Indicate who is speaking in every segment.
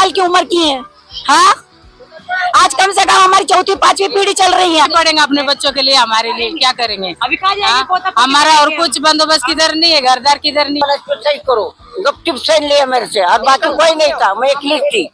Speaker 1: साल की उम्र की है। हाँ, आज कम से कम हमारी चौथी पांचवी पीढ़ी चल रही है।
Speaker 2: पड़ेंगे अपने बच्चों के लिए, हमारे लिए क्या करेंगे अभी? हमारा और कुछ बंदोबस्त किधर नहीं है, घरदार किधर नहीं।
Speaker 1: सही करो, गुपचुप साइन लिया मेरे से और बाकी कोई नहीं था, मैं अकेली थी।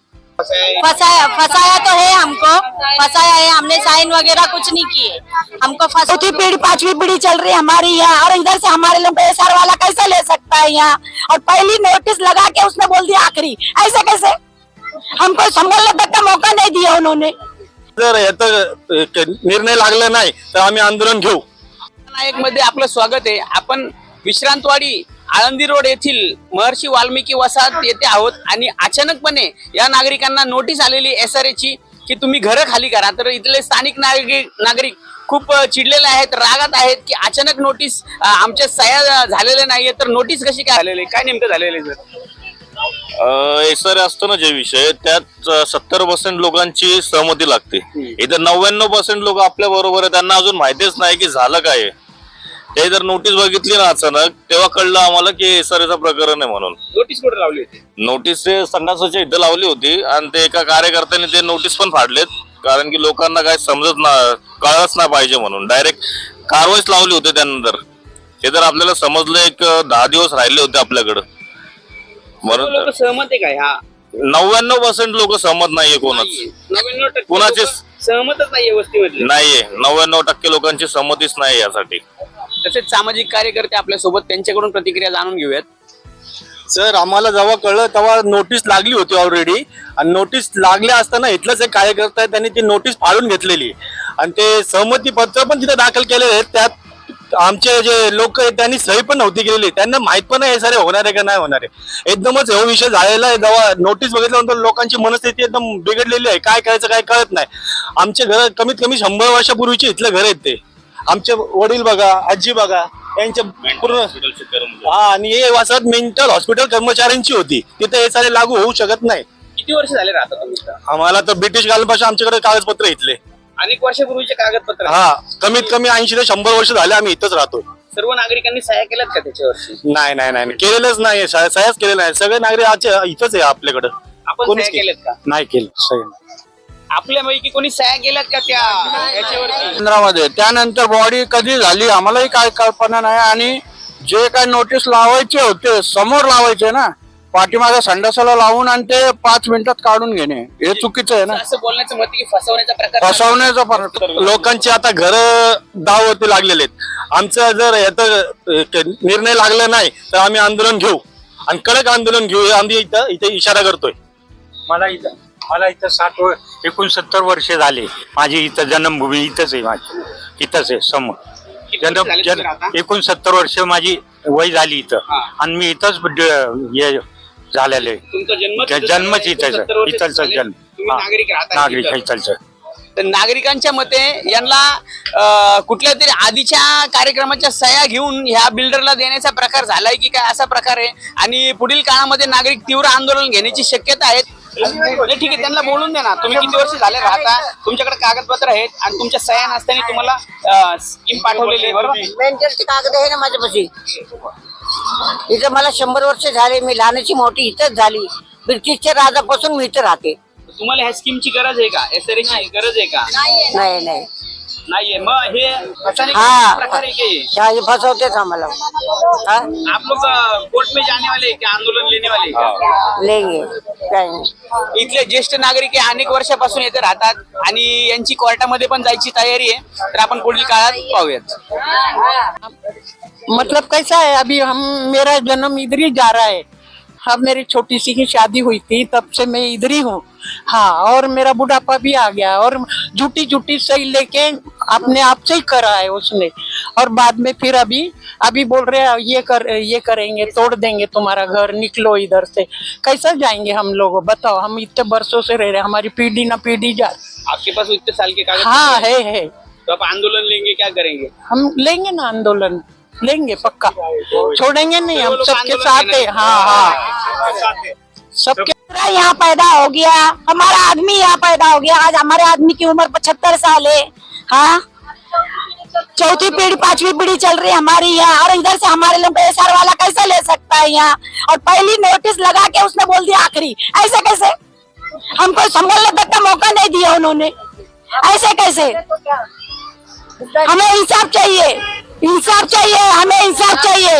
Speaker 2: फसाया तो है हमको, फसाया है, हमने साइन वगैरह कुछ नहीं किए, हमको
Speaker 1: चौथी पीढ़ी पांचवी पीढ़ी चल रही है हमारी यहाँ, और इधर से हमारे लोग एसआर वाला कैसे ले सकता है यहाँ? और पहली नोटिस लगा के उसने बोल दिया आखिरी, ऐसे कैसे? हमको संभलने तक का मौका नहीं दिया उन्होंने।
Speaker 3: जर याचा निर्णय लागला नाही तर आम्ही आंदोलन घेऊ।
Speaker 4: नायक मध्ये आपलं स्वागत आहे। आपण विश्रांतवाडी आळंदी रोड येथील महर्षी वाल्मिकी वसाहत येथे आहोत आणि अचानकपणे या नागरिकांना नोटीस आलेली एसआरएची की तुम्ही घरं खाली करा। तर इथले स्थानिक नागरिक खूप चिडलेले आहेत, रागात आहेत की अचानक नोटीस आमच्या सह्या झालेल्या नाहीये, तर नोटीस कशी काय झालेली, काय नेमकं झालेलं आहे?
Speaker 3: एसआर असतो ना जे विषय, त्यात 70% लोकांची सहमती लागते। इथं 99% लोक आपल्या बरोबर आहे, त्यांना अजून माहितीच नाही की झालं काय आहे। ते जर नोटीस बघितली ना अचानक, तेव्हा कळलं आम्हाला की एसआरएचं प्रकरण आहे म्हणून।
Speaker 4: नोटीस कुठे लावली होती?
Speaker 3: नोटीस ते संडासाच्या इथं लावली होती आणि ते एका कार्यकर्त्याने ते नोटीस पण फाडलेत, कारण की लोकांना काय समजत ना, कळलंच नाही पाहिजे म्हणून डायरेक्ट कारवाईच लावली होती। त्यानंतर ते जर आपल्याला समजलं, एक 10 दिवस राहिले होते आपल्याकडे म्हणून।
Speaker 4: लोक सहमत आहे का? हा
Speaker 3: 99% लोक सहमत नाहीये कोणाच,
Speaker 4: 99%
Speaker 3: कोणाचे
Speaker 4: सहमतच नाहीये वस्तीमधले।
Speaker 3: नाहीये, 99% लोकांची सहमतीच नाही यासाठी।
Speaker 4: तसेच सामाजिक कार्यकर्ते आपल्या सोबत, त्यांच्याकडून प्रतिक्रिया जाणून घेऊयात।
Speaker 3: सर, आम्हाला जेव्हा कळलं तेव्हा नोटीस लागली होती ऑलरेडी, आणि नोटीस लागल्या असताना इथलंच एक कार्यकर्ता आहे, त्यांनी ती नोटीस फाडून घेतलेली आणि ते सहमती पत्र पण तिथे दाखल केलेले आहेत। त्यात आमचे जे लोक आहेत त्यांनी सही पण नव्हती केलेली, त्यांना माहित पण नाही सारे होणार आहे का नाही होणार आहे। एकदमच हा विषय झालेला आहे। जेव्हा नोटीस बघितल्यानंतर लोकांची मनस्थिती एकदम बिघडलेली आहे, काय करायचं काय कळत नाही। आमचे घर कमीत कमी 100 वर्षापूर्वीचे इथले घर आहेत ते, आमचे वडील बघा, आजी बघा, यांच्या पूर्ण आणि हे वसाहत मेंटल हॉस्पिटल कर्मचाऱ्यांची होती, तिथे हे सारे लागू होऊ शकत नाही।
Speaker 4: किती वर्ष झाले राहता तुम्ही?
Speaker 3: आम्हाला तर ब्रिटिश काळापासून आमच्याकडे कागदपत्र इथले
Speaker 4: अनेक वर्षापूर्वीचे कागदपत्र।
Speaker 3: हा, कमीत कमी 80 ते 100 वर्ष झाले आम्ही इथंच राहतो।
Speaker 4: सर्व नागरिकांनी सह्या केल्यात का त्याच्यावरती?
Speaker 3: नाही नाही नाही, केलेलंच नाही, सह्याच केलेलं नाही। सगळे नागरिक इथंच आहे आपल्याकडे।
Speaker 4: आपण सह्या केल्यात का?
Speaker 3: नाही केलं सह्या।
Speaker 4: आपल्यापैकी कोणी सह्या केल्यात का त्या याच्यावरती?
Speaker 5: केंद्रामध्ये त्यानंतर बॉडी कधी झाली आम्हालाही काय कल्पना नाही, आणि जे काय नोटीस लावायचे होते समोर लावायचे ना, पाठीमागे संडासाला लावून आणि ते 5 मिनिटात काढून घेणे हे चुकीचं आहे ना।
Speaker 4: असं बोलण्याचं मत की फसवण्याचा प्रकार,
Speaker 5: फसवण्याचा फरक।
Speaker 3: लोकांची आता घर दावती लागलेले आहेत। आमचं जर याचा निर्णय लागला नाही तर आम्ही आंदोलन घेऊ आणि कडक आंदोलन घेऊ, आम्ही इथे इशारा करतोय।
Speaker 6: मला इथं 69 वर्ष झाले। माझी इथं जन्मभूमी इथंच आहे, माझी इथंच आहे समोर। 69 वर्ष माझी वय झाली इथं, आणि मी इथंच झालेलं आहे।
Speaker 4: तुमचा
Speaker 6: जन्मच इथंच, इथलचा जन्म, नागरिक इथलचं।
Speaker 4: तर नागरिकांच्या मते यांना कुठल्या तरी आधीच्या कार्यक्रमाच्या सह्या घेऊन ह्या बिल्डरला देण्याचा प्रकार झालाय की काय, असा प्रकार आहे। आणि पुढील काळामध्ये नागरिक तीव्र आंदोलन घेण्याची शक्यता आहे। ठीक आहे, त्यांना बोलून द्या ना, तुम्ही किती वर्ष झाले राहता, तुमच्याकडे कागदपत्र आहेत आणि तुमच्या सह्या नसताना तुम्हाला स्कीम पाठवलेली आहे, बरोबर?
Speaker 1: मेंटलचे कागद आहे ना माझ्यापाशी। इथं मला 100 वर्ष झाले, मी लहानाची मोठी इथंच झाली। ब्रिटिशच्या राजापासून मी इथं राहते।
Speaker 4: तुम्हाला ह्या स्कीमची गरज आहे का? एसआरएची गरज आहे का?
Speaker 1: नाही नाही
Speaker 4: नाहीये। मग हे
Speaker 1: हाँ,
Speaker 4: प्रकार आहे की
Speaker 1: ये फसवतेच आम्हाला।
Speaker 4: आप लोग कोर्ट में जाने वाले हैं क्या, आंदोलन लेने वाले हैं क्या?
Speaker 1: लेंगे काय नाही।
Speaker 4: इथले ज्येष्ठ नागरिक हे अनेक वर्षापासून येथे राहतात आणि यांची कोर्टामध्ये पण जायची तयारी आहे, तर आपण पुढील काळात पाहूयात।
Speaker 2: मतलब कैसा है, अभी मेरा जन्म इधर ही जा रहा है। अब मेरी छोटी सी की शादी हुई थी, तब से मैं इधर ही हूँ। हाँ, और मेरा बुढ़ापा भी आ गया, और झूठी सही लेके अपने आप से ही करा है उसने, और बाद में फिर अभी बोल रहे हैं ये करेंगे, तोड़ देंगे तुम्हारा घर, निकलो इधर से। कैसा जाएंगे हम लोग, बताओ? हम इतने बरसों से रह रहे, हमारी पीढ़ी ना पीढ़ी जा।
Speaker 4: आपके पास इतने साल के कागज?
Speaker 2: हाँ है।
Speaker 4: तो आप आंदोलन लेंगे, क्या करेंगे?
Speaker 2: हम लेंगे ना आंदोलन, लेंगे पक्का, छोड़ेंगे नहीं, हम सबके साथ है। हाँ, सबके
Speaker 1: यहाँ पैदा हो गया, हमारा आदमी यहाँ पैदा हो गया। आज हमारे आदमी की उम्र 75 साल है। हाँ, चौथी पीढ़ी पांचवी पीढ़ी चल रही है हमारी यहाँ, और इधर से हमारे लोग एसआर वाला कैसे ले सकता है यहाँ? और पहली नोटिस लगा के उसने बोल दिया आखिरी, ऐसे कैसे? हमको संभलने तक का मौका नहीं दिया उन्होंने। ऐसे कैसे? हमें इंसाफ चाहिए, इंसाफ चाहिए, हमें इंसाफ चाहिए।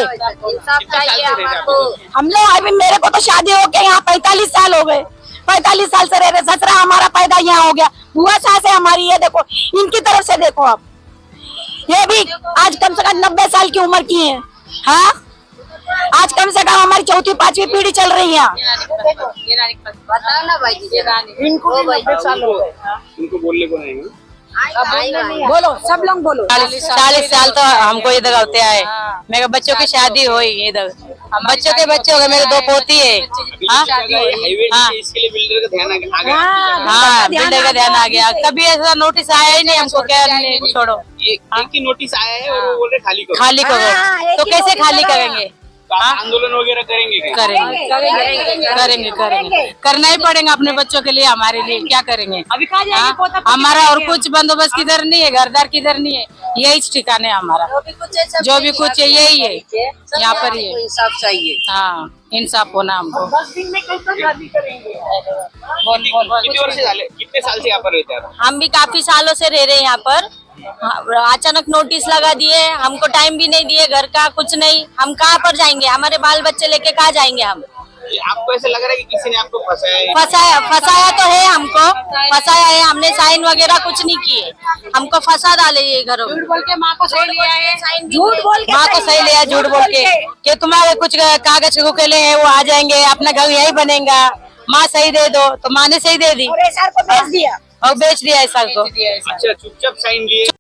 Speaker 1: हम लोग अभी, मेरे को तो शादी होके यहाँ 45 साल हो गए, 45 साल से रह रहे। ससुरा हमारा पैदा यहाँ हो गया, बुआ सास है हमारी, ये देखो इनकी तरफ से देखो आप, ये भी आज कम से कम 90 साल की उम्र की है। हाँ, आज कम से कम हमारी 4वीं 5वीं पीढ़ी चल रही है।
Speaker 7: बताओ ना भाई जी,
Speaker 2: इनको भी 90 साल हो गए।
Speaker 4: इनको बोलने को नहीं है।
Speaker 1: बोलो, सब लोग बोलो।
Speaker 8: 40 साल तो हमको इधर होते आए। मेरे बच्चों की शादी हुई इधर, बच्चों के बच्चे हो गए, मेरे 2 पोती है। हाँ
Speaker 4: हाईवे
Speaker 8: हाँ।
Speaker 4: इसके लिए बिल्डर का ध्यान आ गया।
Speaker 8: हाँ, बिल्डर का ध्यान आ गया। कभी ऐसा नोटिस आया ही नहीं हमको, क्या नहीं, छोड़ो
Speaker 4: एक ही नोटिस आया है और वो बोल रहे खाली करो।
Speaker 8: खाली करो। तो कैसे खाली करेंगे?
Speaker 4: तो आप आंदोलन वगैरह करेंगे क्या?
Speaker 8: करेंगे करना ही पड़ेगा अपने बच्चों के लिए, हमारे लिए क्या करेंगे? हाँ, हमारा और कुछ बंदोबस्त किधर नहीं है, घरदार किधर नहीं है, यही ठिकाने हमारा। जो भी कुछ है यही है, यहाँ पर ही है।
Speaker 7: इंसाफ चाहिए।
Speaker 8: हाँ, इंसाफ होना हमको।
Speaker 2: 10 दिन में कैसे शादी करेंगे?
Speaker 4: कितने वर्ष झाले, कितने साल से यहाँ पर रहते हैं?
Speaker 8: हम भी काफी सालों से रह रहे हैं यहाँ पर। अचानक नोटिस लगा दिए, हमको टाइम भी नहीं दिए, घर का कुछ नहीं। हम कहाँ पर जाएंगे? हमारे बाल बच्चे लेके कहाँ जाएंगे हम?
Speaker 4: आपको ऐसा लग रहा है कि किसी ने आपको फंसाया है?
Speaker 8: फंसाया तो है हमको, फंसाया है। हमने साइन वगैरह कुछ नहीं किए, हमको फंसा डाले ये घरों में।
Speaker 1: झूठ बोल के माँ को सही लिया है,
Speaker 8: माँ को सही लिया, झूठ बोल के कि तुम्हारे कुछ कागज रुकेले हैं वो आ जाएंगे, अपना घर यही बनेगा, माँ सही दे दो। तो माँ ने सही दे दी
Speaker 1: और SR को बेच दिया।
Speaker 8: और बेच दिया ऐसा को।
Speaker 4: अच्छा, चुपचाप साइन लिए।